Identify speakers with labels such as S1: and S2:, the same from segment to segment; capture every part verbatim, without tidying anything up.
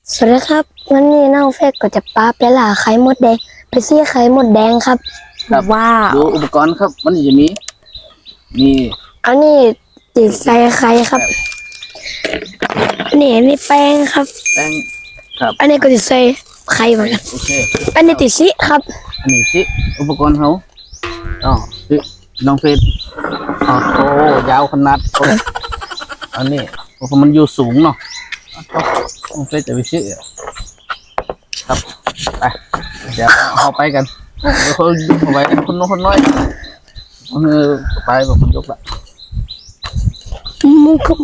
S1: สวัสดีครับวันนี้น้องเฟกก็จะปลาไปล่าไข่มดแดงไปซี่ไข่มดแดงครับ
S2: ครับ
S1: ว้าว
S2: ดูอุปกรณ์ครับมันจะมีมี
S1: อันนี้ติดใส่ไข่ครับอันนี้อันนี้แป้งครับ
S2: แป้งครับ
S1: อันนี้ก็ติดใส่ไข่เหมือนกัน
S2: โอเค
S1: อันนี้ติดซิครับ
S2: อันนี้สิอุปกรณ์เขาอ๋อสิน้องเฟสอ๋อโตยาวขนาดโอ้อันนี้เพราะมันอยู่สูงเนาะน้องเฟสจะไปซื้อครับไปเดี๋ยวเอาไปกันเดี๋ยวเขายกเอาไว้คนน้อยคนน้อยเออไปแบบคนยกละ
S1: มุก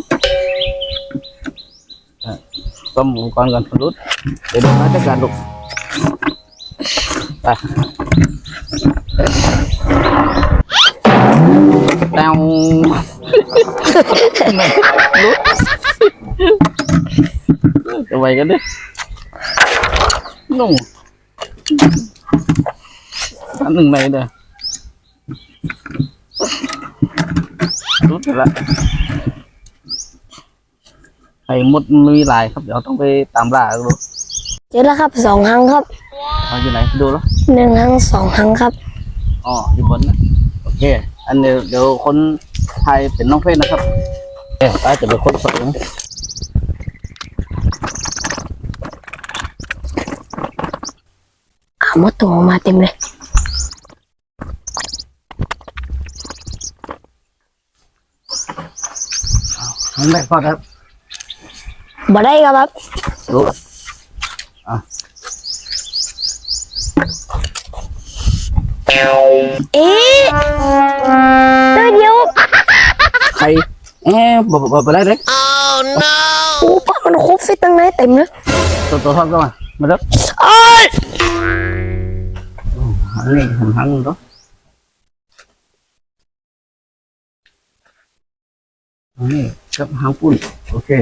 S2: ซ่อมอุปกรณ์กันคนรุ่นเดี๋ยวดูนะจัดการลูกไปแตวลุกจะไหวกันดินุ่งอันหนึ่งในเด้อรุดไปละไข่มดมีหลายครับเดี๋ยวต้องไปตามล่าดู
S1: เจอแล้วครับสองครั้งครับ
S2: เอาอยู่ไหนดูแล้ว
S1: หนึ่งครั้งสองครั้งครับ
S2: อ๋ออยู่บนนะโอเคอันเดี๋ยวเดี๋ยวคนไทยเป็นน้องเฟสนะครับเอ๊ะป้าจะเป็นคนสอง
S1: อ่ามดตัวมาเต็มเลย
S2: น้องแรกก่อนครับ
S1: บ่ได้ครับ
S2: ดูอ่ะ
S1: เอ๊ะตัวเดียว
S2: ใครเอ๊ะบอกบอกไปได้เลย
S1: โอ้ป้ามันครบฟิตตั้งไหนเต็มเลย
S2: ตัวตัวทอดก็มามาแล้ว
S1: โอ้ย
S2: หันนี่หันหันตัวนี่กับหางปุ่นโอเค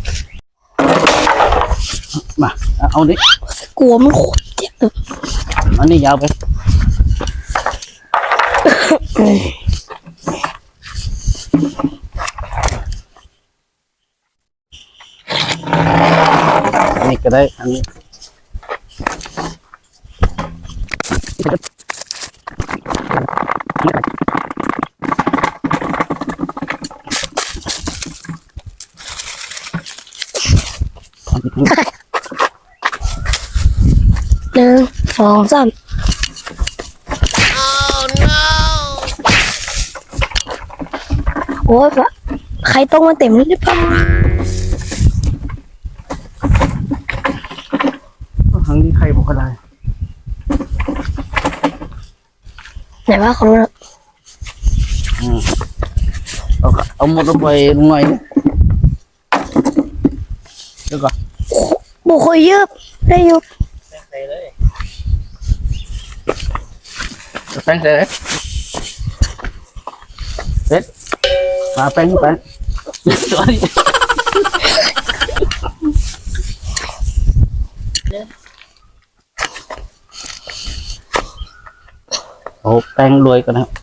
S2: มาเอาดิ
S1: กลัวมันโคตรเจ็บเลย
S2: อันนี้ยาวไปอันนี้ก็ได้อันนี้
S1: หนึ่งสองสามโอ้ยปะใครต้องมาเต็มเลยเนี่ยปะ
S2: ทางนี้ใครบอกก็ได้
S1: ไหนว่าของเรา
S2: อืมเอาเอาหมดลงไปหน่อยเดี๋ยวก่อน
S1: บุคคลเยอะได้อยู่
S2: แป้งใส่เลยเด็ดมาแป้งไปตัวนี้โอ้แป้งรวยกันนะครับ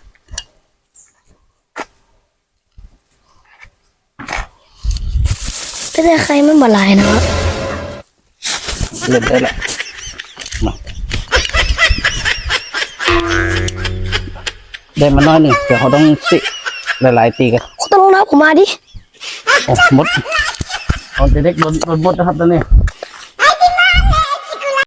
S1: จะได้ใครมันบ่ลายนะครับ
S2: เล่นได้แหละมาได้มาน้อยหนึ่งเดี๋ยวเขาต้องสิหลายๆตีกัน
S1: คุณต้องนับผมมาดิ
S2: โอ้หมดเอาเด็กๆโดนโดนหมดนะครับตอนนี้